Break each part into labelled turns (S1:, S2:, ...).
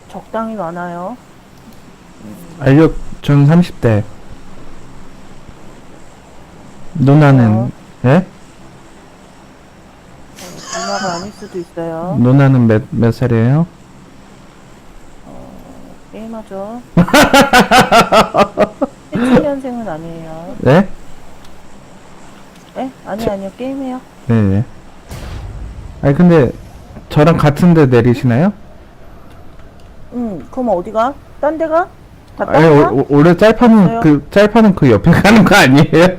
S1: 적당히 많아요.
S2: 알력 전 30대. 누나는 예?
S1: 누나가 아닐 수도 있어요.
S2: 누나는 몇 살이에요?
S1: 게임하죠. 17년생은 아니에요.
S2: 네?
S1: 에? 아니요. 게임해요.
S2: 네. 아니 근데 저랑 같은데 내리시나요?
S1: 그럼 어디가? 딴 데가? 다
S2: 아니
S1: 딴 데가?
S2: 원래 짤파는
S1: 없어요?
S2: 짤파는 그 옆에 가는 거 아니에요?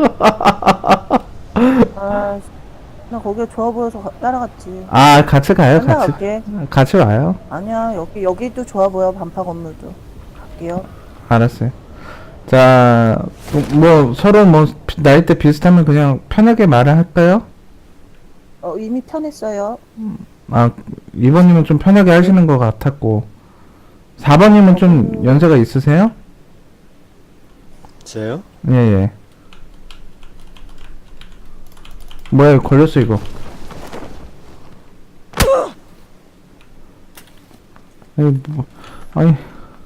S1: 아, 나 거기가 좋아 보여서 따라갔지.
S2: 아 같이 가요 같이
S1: 따라갈게.
S2: 같이 와요.
S1: 아니야, 여기도 좋아 보여, 반파 건물도. 갈게요.
S2: 알았어요. 자, 뭐 서로 뭐 나이대 비슷하면 그냥 편하게 말을 할까요?
S1: 이미 편했어요.
S2: 아 2번님은 좀 편하게 하시는 것 같았고 4번님은 좀 연세가 있으세요?
S3: 저요?
S2: 예예. 뭐야 걸렸어 이거. 아니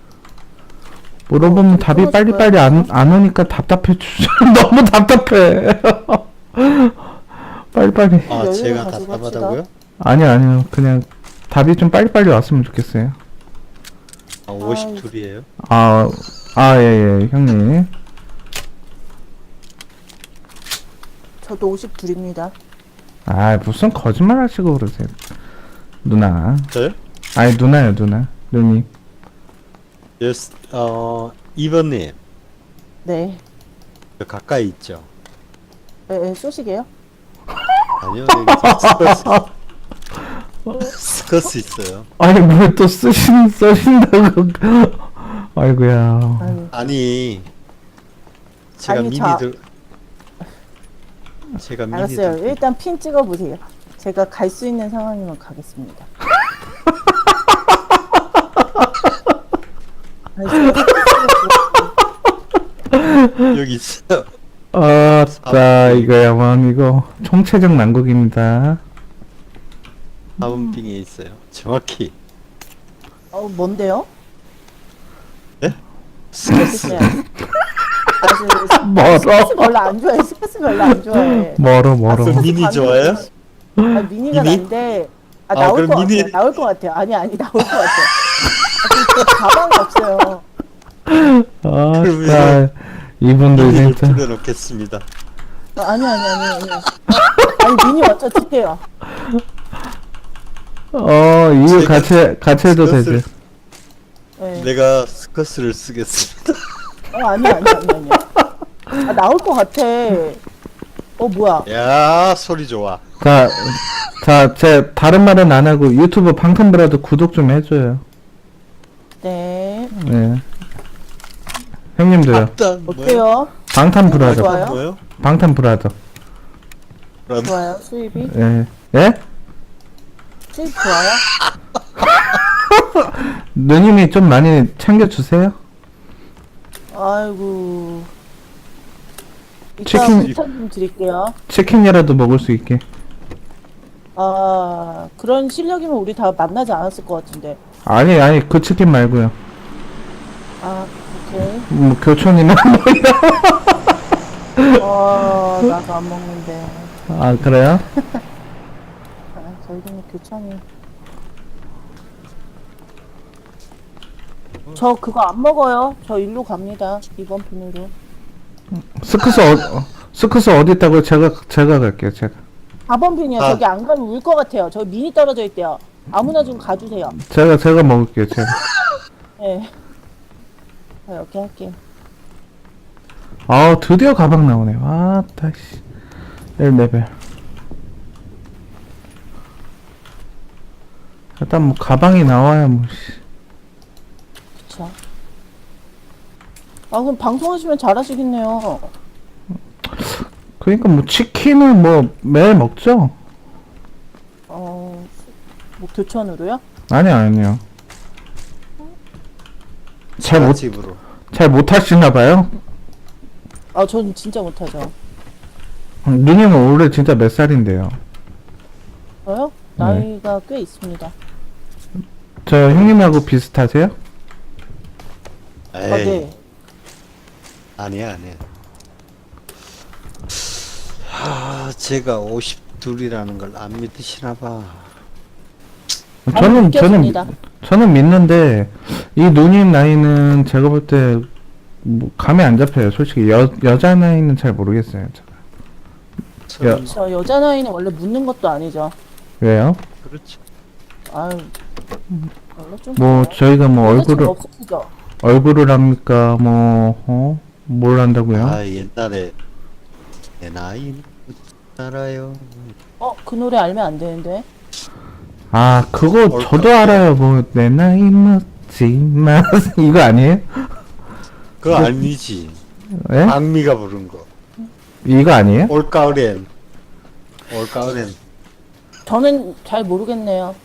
S2: 물어보면 답이 빨리빨리 안 오니까 답답해 주죠. 너무 답답해. 빨리빨리.
S3: 아,
S1: 여유를
S3: 제가
S1: 가지고
S3: 답답하다고요?
S2: 아니요 그냥 답이 좀 빨리빨리 왔으면 좋겠어요.
S3: 아, 52이에요?
S2: 예예 형님.
S1: 저도 52입니다.
S2: 아 무슨 거짓말 하시고 그러세요 누나.
S3: 저요?
S2: 아니 누나요 누나 누님.
S3: 예스, 2번님.
S1: 네.
S3: 저 가까이 있죠?
S1: 쏘시게요?
S3: 아니요, 여기 스커스 있어요.
S2: 아니 뭘 또 쓰신다고. 아이고야.
S3: 아니, 제가
S1: 아니,
S3: 제가
S1: 알았어요.
S3: 미니들.
S1: 일단 핀 찍어보세요. 제가 갈 수 있는 상황이면 가겠습니다. 아니,
S3: 여기 있어요.
S2: 아따 이거야만 이거 총체적 난국입니다.
S3: 4번 빙에 있어요. 정확히.
S1: 뭔데요?
S3: 스커스.
S2: 멀어.
S1: 스페이스 별로 안 좋아해. 스페이스 별로 안 좋아해.
S2: 멀어
S3: 그럼 미니 좋아요?
S1: 미니가
S3: 미니?
S1: 난데 나올
S3: 그럼
S1: 것
S3: 미니-
S1: 같아요. 나올 것 같아요. 아니 나올 것 같아요. 그 가방이 없어요.
S2: 아따 이분들
S3: 미니를
S2: 진짜.
S3: 뿌려놓겠습니다.
S1: 아니. 아니 미니 먼저 칠게요.
S2: 이거
S3: 제가
S2: 같이 해도
S3: 스커스를-
S2: 되지.
S1: 네.
S3: 내가 스커스를 쓰겠습니다.
S1: 아니. 나올 것 같아. 뭐야?
S3: 야, 소리 좋아.
S2: 제 다른 말은 안 하고 유튜브 방탄브라더 구독 좀 해줘요.
S1: 네.
S2: 네. 형님도요.
S3: 일단
S1: 어때요?
S2: 방탄브라더.
S1: 좋아요?
S3: 뭐요?
S2: 방탄브라더.
S3: 그럼
S1: 좋아요. 수입이?
S2: 예. 예?
S1: 수입 좋아요?
S2: 누님이 좀 많이 챙겨주세요.
S1: 아이고.
S2: 치킨-
S1: 추천 좀 드릴게요.
S2: 치킨이라도 먹을 수 있게.
S1: 그런 실력이면 우리 다 만나지 않았을 것 같은데.
S2: 아니 그 치킨 말고요.
S1: 오케이.
S2: 뭐 교촌이나
S1: 나도 안 먹는데.
S2: 아 그래요?
S1: 저희는 교촌이. 저 그거 안 먹어요. 저 일로 갑니다. 이번 핀으로.
S2: 스크스 어디 있다고요? 제가 갈게요. 제가
S1: 4번 핀이요.
S3: 아.
S1: 저기 안 가면 울 것 같아요. 저 미니 떨어져 있대요. 아무나 좀 가주세요.
S2: 제가 먹을게요. 제가.
S1: 네. 이렇게 할게요.
S2: 드디어 가방 나오네. 아따 씨. 1레벨. 일단 뭐 가방이 나와야 뭐 씨.
S1: 그쵸. 그럼 방송하시면 잘하시겠네요.
S2: 그러니까 뭐 치킨은 뭐 매일 먹죠?
S1: 뭐 교촌으로요?
S2: 아니요.
S3: 집으로.
S2: 잘 못하시나 봐요.
S1: 저는 진짜 못하죠.
S2: 누님은 올해 진짜 몇 살인데요?
S1: 저요?
S2: 네.
S1: 나이가 꽤 있습니다.
S2: 저 형님하고 비슷하세요?
S1: 아,
S3: 에이,
S1: 네.
S3: 아니야. 제가 52이라는 걸 안 믿으시나 봐.
S1: 느껴집니다.
S2: 저는 믿는데 이 누님 나이는 제가 볼 때 뭐 감이 안 잡혀요. 솔직히 여자 나이는 잘 모르겠어요. 제가. 야.
S1: 저 여자 나이는 원래 묻는 것도 아니죠.
S2: 왜요?
S3: 그렇죠.
S1: 아유. 원래 좀.
S2: 뭐 저희가 뭐
S1: 얼굴을 없으시죠?
S2: 얼굴을 합니까? 뭘 한다고요?
S3: 아, 옛날에 내 나이는 알아요.
S1: 그 노래 알면 안 되는데.
S2: 아, 그거 저도 알아요. 뭐 내 나이 묻지마 이거 아니에요?
S3: 그거 아니지.
S2: 예?
S3: 박미가 부른 거.
S2: 이거 아니에요?
S3: 올가을엔.
S1: 저는 잘 모르겠네요.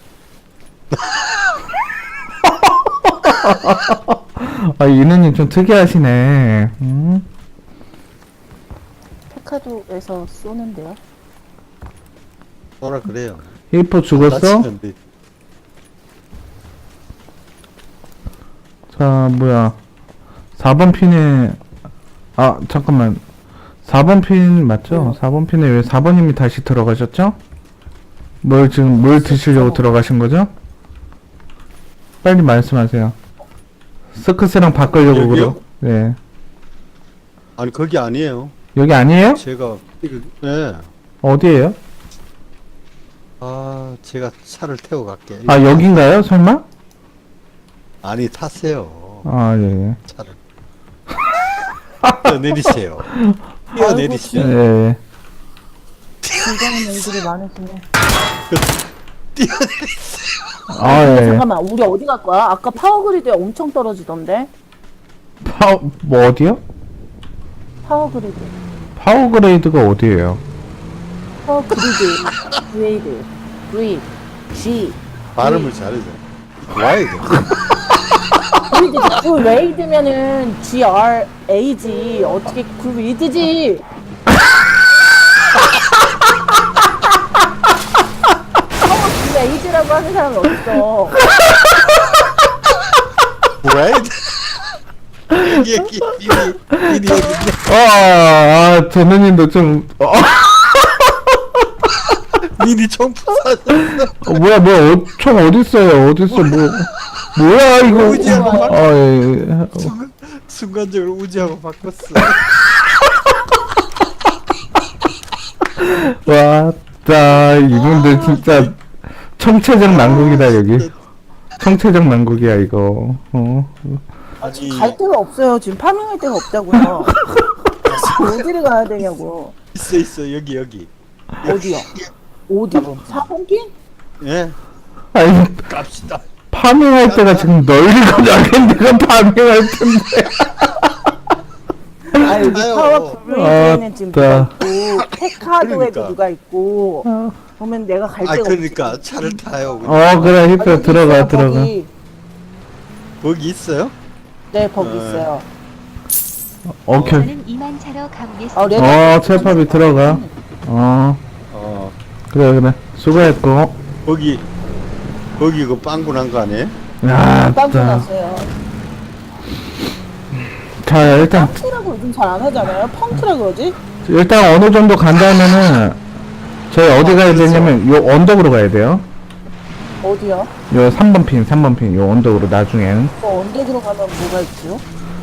S2: 아, 이 누님 좀 특이하시네.
S1: 페카도에서 쏘는데요.
S3: 뭐라 그래요.
S2: 히포 죽었어?
S3: 다치면 돼.
S2: 자, 뭐야. 4번 핀에, 아, 잠깐만. 4번 핀 맞죠? 4번 핀에 왜 4번님이 다시 들어가셨죠? 뭘 드시려고 들어가신 거죠? 빨리 말씀하세요. 스크스랑 바꾸려고
S3: 여기요?
S2: 그러. 네.
S3: 아니 거기 아니에요.
S2: 여기 아니에요?
S3: 제가 네.
S2: 어디에요?
S3: 아, 제가 차를 태워 갈게.
S2: 아, 여긴가요? 설마?
S3: 아니 타세요.
S2: 아, 예, 예.
S3: 차를. 뛰어내리세요. 뛰어내리세요.
S2: 예, 예.
S1: 굉장히 일들이 많으시네.
S2: 아, 예.
S1: 잠깐만, 우리 어디 갈 거야? 아까 파워그리드에 엄청 떨어지던데?
S2: 뭐 어디요?
S1: 파워그리드.
S2: 파워그레이드가 어디예요?
S1: 파워그리드. 그레이드. 그리드. G.
S3: 발음을 잘해줘. 와야 돼.
S1: 그리드. 그레이드면은 GRA지. 어떻게 그리드지? 파워그레이드라고 하는 사람이 어딨어?
S3: 와야 돼. 여기 미리 여기
S2: 저 누님도 좀,
S3: 미니 총부 사셨어.
S2: 뭐야, 총 어딨어요? 뭐야, 이거.
S3: 우지하고
S2: 예.
S3: 순간적으로 우지하고 바꿨어.
S2: 왔다, 이분들 진짜 청체적 난국이다, 여기. 청체적 난국이야, 이거.
S3: 아니
S1: 갈 데가 없어요. 지금 파밍할 데가 없다고요. 어디를 가야 되냐고.
S3: 있어 여기.
S1: 어디요? 어디? 4번 핀?
S3: 예.
S2: 아니,
S3: 갑시다.
S2: 파밍할 때가 지금 널리고 나겠는데가 파밍할 텐데.
S1: 아 여기
S3: 아유.
S1: 파워 브레이크에는 지금 누가
S2: 아따.
S1: 있고 페카도에도
S3: 그러니까.
S1: 누가 있고 보면 내가 갈
S3: 아
S1: 데가
S3: 그러니까 차를 타요.
S2: 그래, 히프
S1: 여기
S2: 들어가,
S1: 있어요,
S2: 들어가.
S1: 거기.
S3: 거기 있어요?
S1: 네 거기 있어요.
S2: 오케이.
S4: 저는 이만 차로 가보겠습니다.
S1: 레드
S2: 첼팝이 들어가.
S3: 어.
S2: 그래. 수고했고.
S3: 거기 그 빵꾸난 거 아니에요?
S2: 야,
S1: 빵꾸
S2: 자,
S1: 났어요.
S2: 일단,
S1: 펑크라고 요즘 잘 안 하잖아요. 펑크라 그러지?
S2: 일단 어느 정도 간다면은, 저희 어디 가야 되냐면, 요 언덕으로 가야 돼요.
S1: 어디요?
S2: 요 3번 핀, 요 언덕으로 나중엔.
S1: 언덕으로 가면 뭐가 있죠?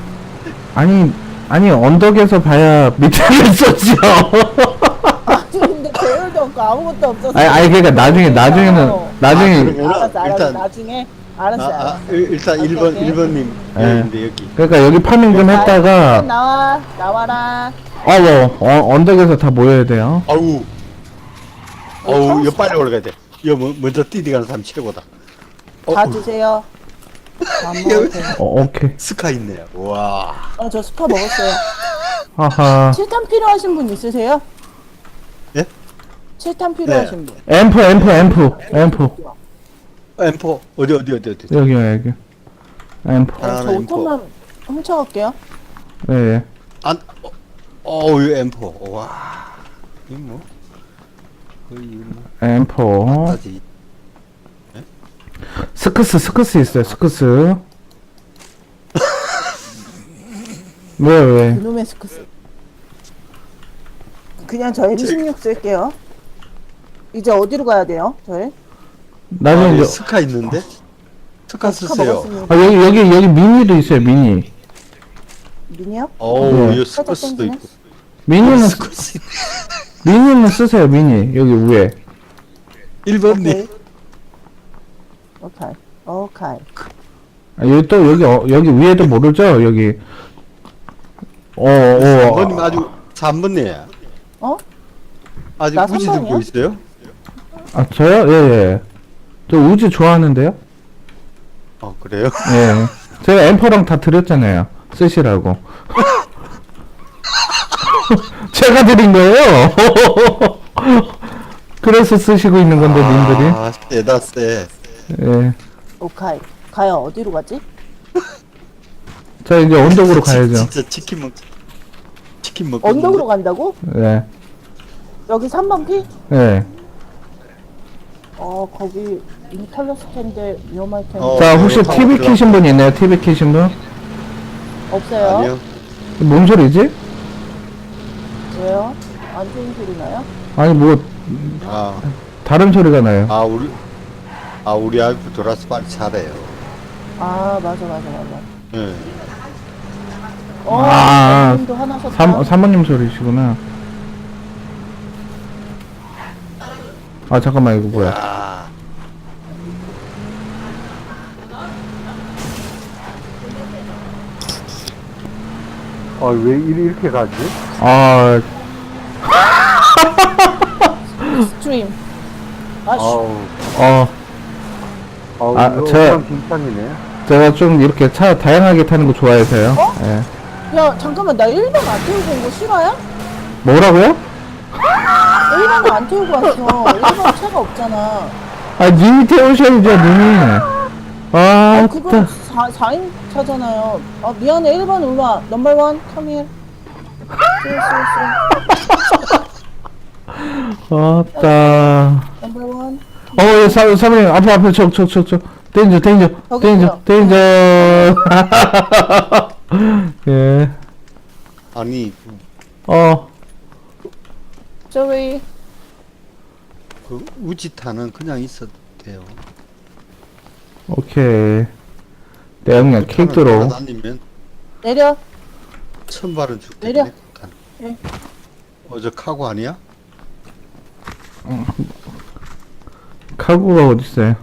S2: 아니, 언덕에서 봐야 밑에를 쏘죠.
S1: 아니 근데 배열도 없고 아무것도 없어서.
S2: 그러니까 나중에는,
S1: 알았어
S3: 일단-
S1: 나중에 알았어.
S3: 일단
S1: 오케이,
S3: 1번
S1: 오케이.
S3: 1번님
S2: 예.
S3: 있는데 여기.
S2: 그러니까 여기 파밍 좀 했다가,
S1: 나와라.
S2: 언덕에서 다 모여야 돼요.
S3: 아우 이거 빨리 올라가야 돼. 이거 먼저 뛰어가는 사람 최고다.
S1: 다 드세요. 안 먹어도 돼요.
S2: 오케이.
S3: 스카 있네요. 와.
S1: 저 스파 먹었어요.
S2: 하하.
S1: 7탄 필요하신 분 있으세요?
S3: 예?
S1: 7탄 필요하신 분.
S2: 앰프.
S3: M4 어디.
S2: 여기요. 앰프.
S1: 저
S3: 하나 M4.
S1: 5탄만 훔쳐갈게요.
S2: 예.
S3: 안. 이거 M4. 와. 이거 뭐? 거의 이거 뭐?
S2: 앰프.
S3: 아직.
S2: 스크스 있어요, 스크스. 왜?
S1: 그놈의 스크스. 그냥 저 M16 쓸게요. 이제 어디로 가야 돼요? 저희?
S2: 나중에
S3: 여기
S2: 이제,
S3: 스카 있는데? 스카
S1: 스카
S3: 쓰세요.
S1: 먹었습니다.
S2: 여기 미니도 있어요, 미니.
S1: 미니요?
S3: 어우,
S2: 네.
S3: 이거
S1: 살짝
S3: 스커스도
S1: 땡기네.
S3: 있고.
S2: 미니는,
S3: 스커스.
S2: 미니는 쓰세요, 미니. 여기 위에.
S3: 1번님.
S1: 오케이. 오케이.
S2: 여기 또, 여기 위에도 모르죠? 여기.
S3: 3번님 아주 3번님.
S1: 어?
S3: 아직
S1: 나
S3: 우지
S1: 3번이요?
S3: 듣고 있어요?
S2: 아, 저요? 예. 저 우지 좋아하는데요?
S3: 그래요?
S2: 예. 제가 엠퍼랑 다 드렸잖아요. 쓰시라고. 제가 드린 거예요. 그래서 쓰시고 있는 건데, 님들이.
S3: 아, 세다 세.
S2: 예.
S1: 오케이. 가요. 어디로 가지?
S2: 자, 이제 언덕으로 가야죠.
S3: 진짜 치킨 먹고.
S1: 언덕으로 간다고?
S2: 예.
S1: 여기 3번 피?
S2: 예.
S1: 거기 이미 털렸을 텐데 위험할 텐데.
S2: 자, 혹시
S3: 이거
S2: TV
S3: 타고
S2: 키신 분 있나요? TV 키신 분?
S1: 없어요?
S3: 아니요.
S2: 뭔 소리지?
S1: 왜요? 안 좋은 소리 나요?
S2: 아니, 뭐,
S3: 아,
S2: 다른 소리가 나요.
S3: 우리 아이프 돌아서 빨리 잘해요.
S1: 아, 맞아.
S3: 예.
S1: 님도 하나 셨다.
S2: 사모님 소리시구나. 아, 잠깐만, 이거 뭐야.
S3: 아,
S5: 왜 이렇게 가지?
S2: 아,
S1: 스트림. 아,
S5: 아우,
S2: 아,
S5: 이거
S2: 저-
S5: 빙판이네.
S2: 제가 좀 이렇게 차 다양하게 타는 거 좋아해서요.
S1: 어?
S2: 예.
S1: 야, 잠깐만. 나 1번 안 태우고 온 거 실화야?
S2: 뭐라고요?
S1: 1번을 안 태우고 왔어. 1번 차가 없잖아.
S2: 아, 님이 태우셔야죠, 님이. 아,
S1: 그건 4인 차잖아요. 미안해. 1번 올라. 넘버 1, come here.
S2: 아따.
S1: 넘버 1.
S2: 예, 사모님, 앞에, 데인저.
S1: 저기 있어요.
S2: 예.
S3: 아니,
S1: Sorry.
S3: 그 우지타는 그냥 있어도 돼요.
S2: 오케이. 내가 그냥 킥드로.
S3: 다니면
S1: 내려.
S3: 천발은 죽대.
S1: 내려. 예.
S3: 저 카고 아니야?
S2: 카구가 어딨어요?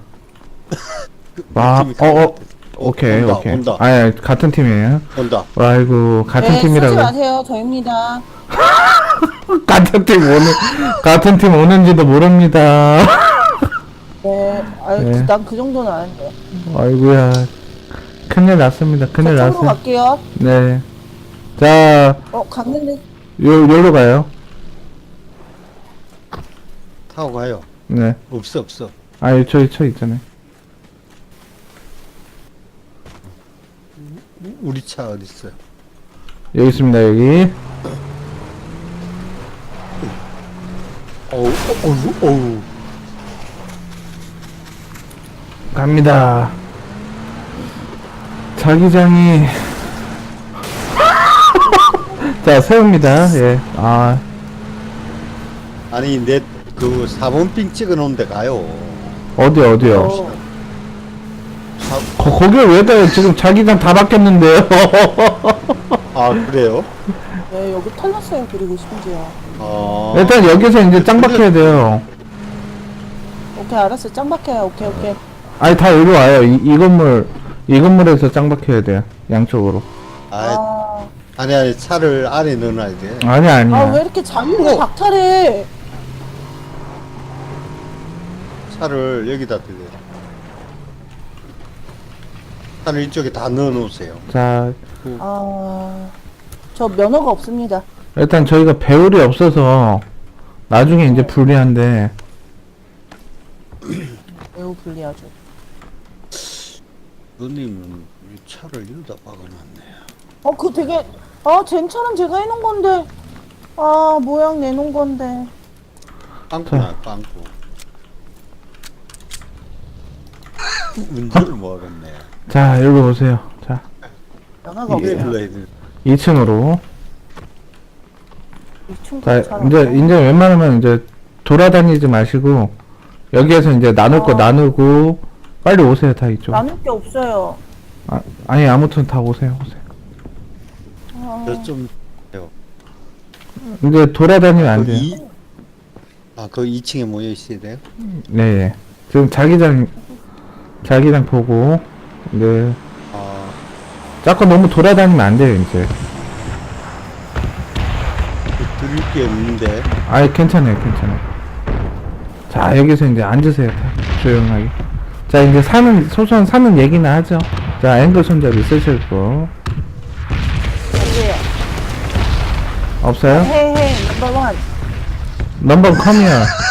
S3: 팀이
S2: 오케이.
S3: 온다.
S2: 아니, 같은 팀이에요.
S3: 온다.
S2: 아이고, 같은
S1: 네, 쓰지
S2: 팀이라고.
S1: 마세요. 저입니다.
S2: 같은 팀 오는지도 모릅니다.
S1: 네.
S2: 네.
S1: 난 그 정도는 아닌데.
S2: 아이고야. 큰일 났습니다. 큰일
S1: 저쪽으로
S2: 났어요.
S1: 갈게요.
S2: 네. 자,
S1: 갔는데.
S2: 여기로 가요.
S3: 타고 가요.
S2: 네.
S3: 없어.
S2: 아니, 저 있잖아요.
S3: 우리 차 어디 있어요?
S2: 여기 있습니다, 여기.
S3: 어우.
S2: 갑니다. 자기장이. 자, 세웁니다. 예.
S3: 아니, 내 그 4번 빙 찍어 놓은 데 가요.
S2: 어디요? 거길 왜 가요? 지금 자기장 다 바뀌었는데요.
S3: 아, 그래요?
S1: 네, 여기 털렸어요. 그리고 심지어.
S2: 일단 여기서 이제 짱 박혀야 돼요.
S1: 오케이, 알았어. 짱 박혀요. 오케이.
S2: 아니, 다 여기 와요. 이 건물에서 짱 박혀야 돼요. 양쪽으로.
S3: 아니, 차를 안에 넣어놔야 돼.
S2: 아니야.
S1: 왜 이렇게 자기가 박탈해?
S3: 차를 여기다 들려. 차를 이쪽에 다 넣어 놓으세요.
S2: 자,
S1: 저 면허가 없습니다.
S2: 일단 저희가 배율이 없어서 나중에 이제 불리한데.
S1: 매우 불리하죠.
S3: 누님은 이 차를 여기다 박아놨네.
S1: 그거 되게, 제 차는 제가 해놓은 건데, 모양 내놓은 건데.
S3: 빵꾸나, 빵꾸. 운전을 못 하겠네.
S2: 자, 여기 오세요. 자,
S1: 연화가
S3: 이게
S1: 없어요.
S3: 불러야 돼.
S2: 2층으로. 자,
S1: 잘
S2: 이제
S1: 없어요.
S2: 웬만하면 이제 돌아다니지 마시고 여기에서 이제 나눌 거 나누고 빨리 오세요, 다 이쪽.
S1: 나눌 게 없어요.
S2: 아니 아무튼 다 오세요.
S3: 저좀
S2: 이제 돌아다니면 안 돼요.
S3: 그 2층에 모여 있어야 돼요?
S2: 네, 예. 지금 자기장 보고 네.
S3: 아,
S2: 자꾸 너무 돌아다니면 안 돼요, 이제.
S3: 드릴 게 없는데.
S2: 아이 괜찮아요. 자, 여기서 이제 앉으세요. 다 조용하게. 자, 이제 소소한 사는 얘기나 하죠. 자, 앵글 손잡이 쓰실 거
S1: 어디에요?
S2: 없어요?
S1: 헤이 넘버 1.
S2: 넘버 컴이요.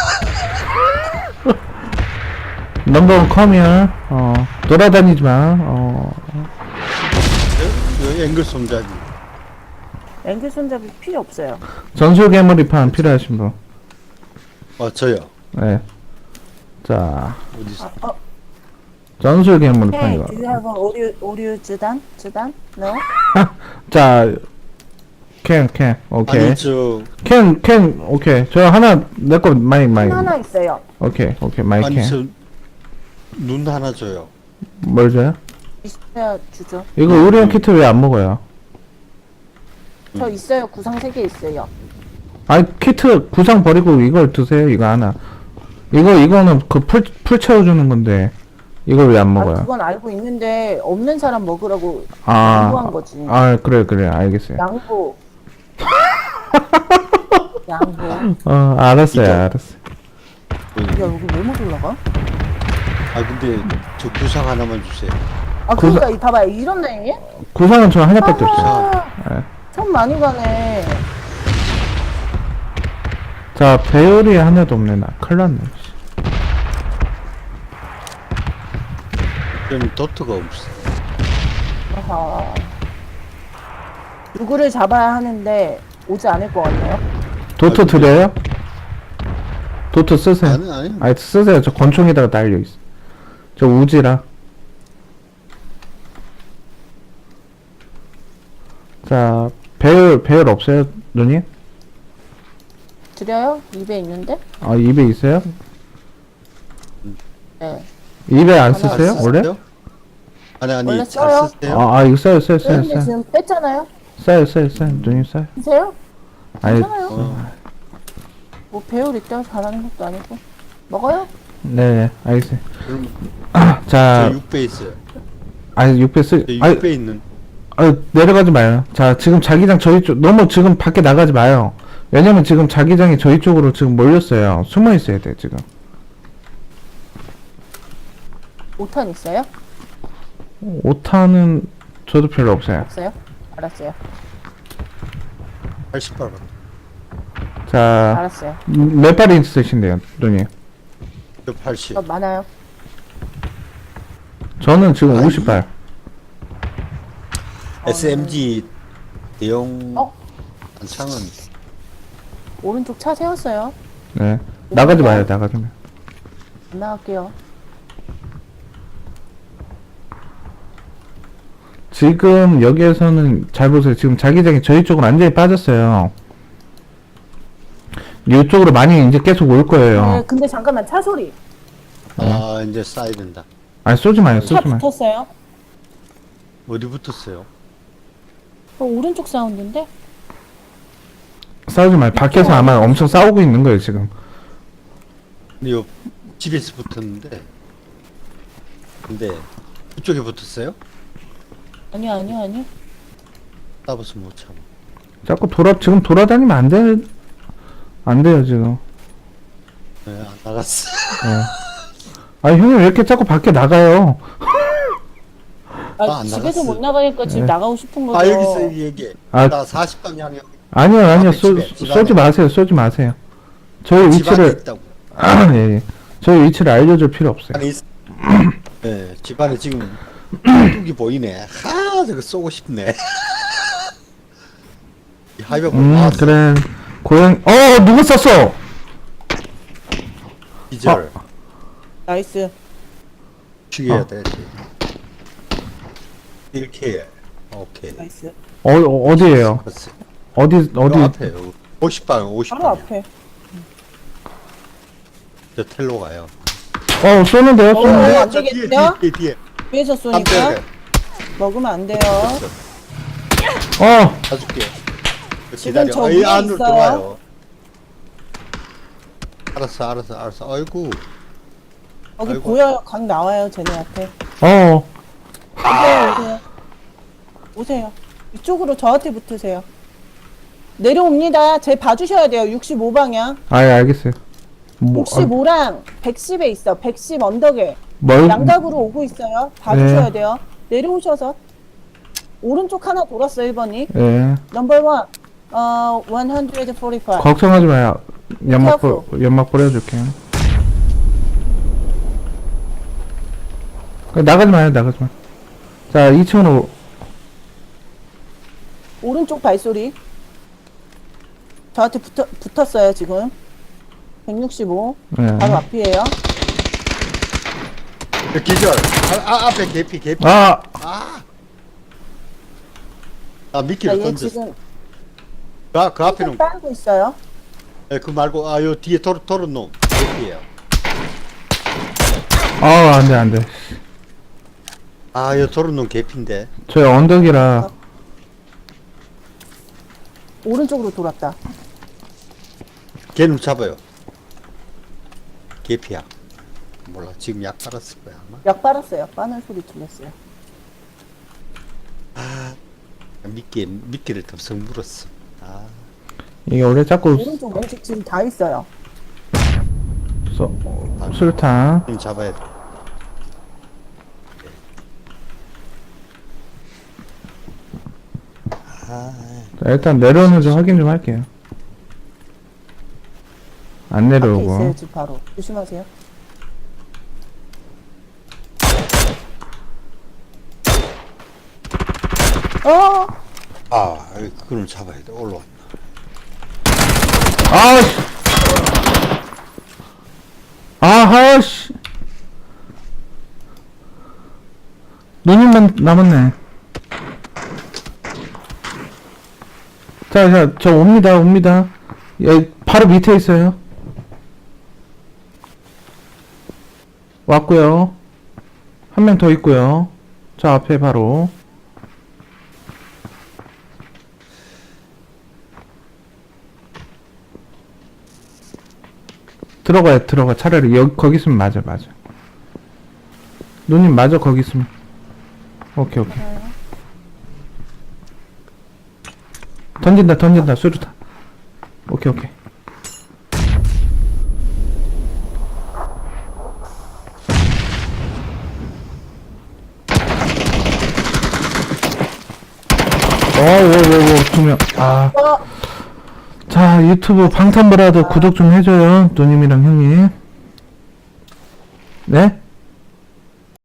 S2: 넘버 컴이요. 돌아다니지 마.
S3: 여기 앵글 손잡이.
S1: 앵글 손잡이 필요 없어요.
S2: 전술 괴물이판 필요하신 분.
S3: 저요.
S2: 네. 자,
S3: 어디서?
S2: 전술 괴물이판
S1: Hey,
S2: 이거.
S1: do you have a audio 주단? No?
S2: 자, 캔, 오케이.
S3: 아니, 저,
S2: 캔, 오케이. 저 하나, 내 거 마이.
S1: 하나 있어요.
S2: 오케이, 마이
S3: 아니,
S2: 캔.
S3: 눈 하나 줘요.
S2: 뭘 줘요?
S1: 있어야 주죠.
S2: 이거 의료용 키트 왜 안 먹어요?
S1: 저 있어요. 구상 3개 있어요.
S2: 아니, 키트 구상 버리고 이걸 드세요, 이거 하나. 이거는 그 풀 채워주는 건데, 이걸 왜 안 먹어요?
S1: 그건 알고 있는데 없는 사람 먹으라고
S2: 아,
S1: 양보한 거지.
S2: 그래, 알겠어요.
S1: 양보. 양보.
S2: 알았어요.
S1: 야, 여기 왜 못 올라가?
S3: 근데 저 구상 하나만 주세요.
S1: 그러니까 이 봐봐요. 이런 라인이?
S2: 구상은 저 하나밖에 없어요. 네.
S1: 참 많이 가네.
S2: 자, 배열이 하나도 없네, 나. 큰일 났네.
S3: 저는 도트가 없어.
S1: 아하. 누구를 잡아야 하는데 오지 않을 것 같네요.
S2: 도트 드려요? 도트 쓰세요.
S3: 아니.
S2: 쓰세요. 저 권총에다가 달려있어. 저 우지라. 자, 배열 없어요, 누님?
S1: 드려요? 입에 있는데?
S2: 입에 있어요?
S1: 네.
S2: 입에 안
S1: 하나
S2: 쓰세요,
S3: 안
S2: 원래?
S3: 쓰세요? 아니,
S1: 원래
S3: 잘
S1: 써요.
S3: 쓰세요?
S2: 이거 써요.
S1: 근데 지금 뺐잖아요.
S2: 써요. 누님 써요.
S1: 드세요?
S2: 아니,
S1: 괜찮아요. 뭐 배울 있다고 잘하는 것도 아니고. 먹어요?
S2: 네, 알겠어요.
S3: 그럼
S2: 자,
S3: 저 6배 있어요.
S2: 6배
S3: 저 6배 있는.
S2: 내려가지 마요. 자, 지금 자기장 저희 쪽, 너무 지금 밖에 나가지 마요. 왜냐면 지금 자기장이 저희 쪽으로 지금 몰렸어요. 숨어 있어야 돼, 지금.
S1: 5탄 있어요?
S2: 5탄은 저도 별로 없어요.
S1: 없어요? 알았어요.
S3: 80발.
S2: 자,
S1: 알았어요.
S2: 몇 발이 있으신데요, 누님?
S3: 저 80.
S1: 많아요.
S2: 저는 지금
S3: 아이.
S2: 50발.
S3: SMG 대용 탄창은
S1: 오른쪽 차 세웠어요.
S2: 네. 나가지 마요, 나가지 마요.
S1: 안 나갈게요.
S2: 지금 여기에서는 잘 보세요. 지금 자기장이 저희 쪽으로 완전히 빠졌어요. 이쪽으로 많이 이제 계속 올 거예요.
S1: 네, 근데 잠깐만 차 소리.
S3: 이제 쏴야 된다.
S2: 아니, 쏘지 마요,
S1: 차
S2: 쏘지 마요.
S1: 붙었어요?
S3: 어디 붙었어요?
S1: 오른쪽 사운드인데?
S2: 싸우지 마요. 밖에서 아마 엄청 싸우고 있는 거예요, 지금.
S3: 근데 요 집에서 붙었는데. 근데 그쪽에 붙었어요?
S1: 아니요.
S3: 따버서 못 참아.
S2: 자꾸 지금 돌아다니면 안 돼요, 지금.
S3: 네, 안 나갔어.
S2: 아니, 형님 왜 이렇게 자꾸 밖에 나가요?
S3: 안
S1: 집에서
S3: 나갔어요.
S1: 못 나가니까 지금
S2: 네.
S1: 나가고 싶은 거죠.
S3: 여기서 얘기해.
S2: 아.
S3: 나 40방향
S2: 아니요,
S3: 앞에
S2: 쏘지
S3: 집에
S2: 마세요, 쏘지 마세요. 저희
S3: 집 안에
S2: 위치를,
S3: 있다고.
S2: 예. 저희 위치를 알려줄 필요 없어요.
S3: 안에 있... 네, 집 안에 지금 뚝이 보이네. 저거 쏘고 싶네. 이 하이벽 나왔어.
S2: 그래. 누구 쐈어?
S3: 기절.
S1: 나이스.
S3: 죽여야 돼. 이렇게. 오케이.
S1: 나이스.
S2: 어디에요?
S3: 알았어.
S2: 어디
S3: 요 앞에요. 50방, 50방.
S1: 바로 앞에.
S3: 저 텔로 가요.
S2: 쏘는데요?
S1: 어,
S2: 쏘는데?
S1: 안 되겠네요?
S3: 뒤에.
S1: 위에서 쏘니까
S3: 깜짝이야.
S1: 먹으면 안 돼요.
S3: 가줄게.
S1: 지금
S3: 기다려.
S1: 저
S3: 이
S1: 위에
S3: 안으로
S1: 있어요.
S3: 들어와요. 알았어. 아이고.
S1: 거기
S3: 아이고.
S1: 보여요. 각 나와요, 쟤네한테. 오세요. 오세요. 이쪽으로 저한테 붙으세요. 내려옵니다. 쟤 봐주셔야 돼요. 65방향.
S2: 아, 예, 알겠어요.
S1: 65랑 110에 있어. 110 언덕에.
S2: 뭘,
S1: 양각으로 오고 있어요. 봐주셔야
S2: 네.
S1: 돼요. 내려오셔서. 오른쪽 하나 돌았어, 1번이.
S2: 예.
S1: 넘버 1. 145.
S2: 걱정하지 마요. 연막 뿌려줄게요. 나가지 마요. 자, 2층으로.
S1: 오른쪽 발소리. 저한테 붙었어요, 지금. 165.
S2: 예.
S1: 바로 앞이에요.
S3: 기절. 앞에 개피.
S2: 아!
S3: 미끼를
S1: 자, 얘
S3: 던졌어.
S1: 지금
S3: 그 앞에는,
S1: 빨고 있어요.
S3: 그 말고, 요 뒤에 도른 놈. 개피예요.
S2: 안 돼.
S3: 요 도른 놈 개피인데.
S2: 저희 언덕이라.
S1: 오른쪽으로 돌았다.
S3: 걔는 잡아요. 개피야. 몰라. 지금 약 빨았을 거야, 아마.
S1: 약 빨았어요. 빠는 소리 들렸어요.
S3: 미끼를 덥석 물었어.
S2: 이게 원래 자꾸
S1: 오른쪽 왼쪽 지금 다 있어요.
S2: 수류탄.
S3: 지금 잡아야 돼.
S2: 자, 일단 내려오는지 확인 좀 할게요. 안
S1: 앞에
S2: 내려오고.
S1: 있어요. 지금 바로. 조심하세요.
S3: 그거는 잡아야 돼. 올라왔나.
S2: 아하씨. 누님만 남았네. 자, 저 옵니다. 예, 바로 밑에 있어요. 왔고요. 한 명 더 있고요. 저 앞에 바로. 들어가. 차라리 거기 있으면 맞아. 누님 맞아, 거기 있으면. 오케이. 던진다, 수류탄. 오케이. 오, 2명. 자, 유튜브 방탄브라더 구독 좀 해줘요. 누님이랑 형님. 네?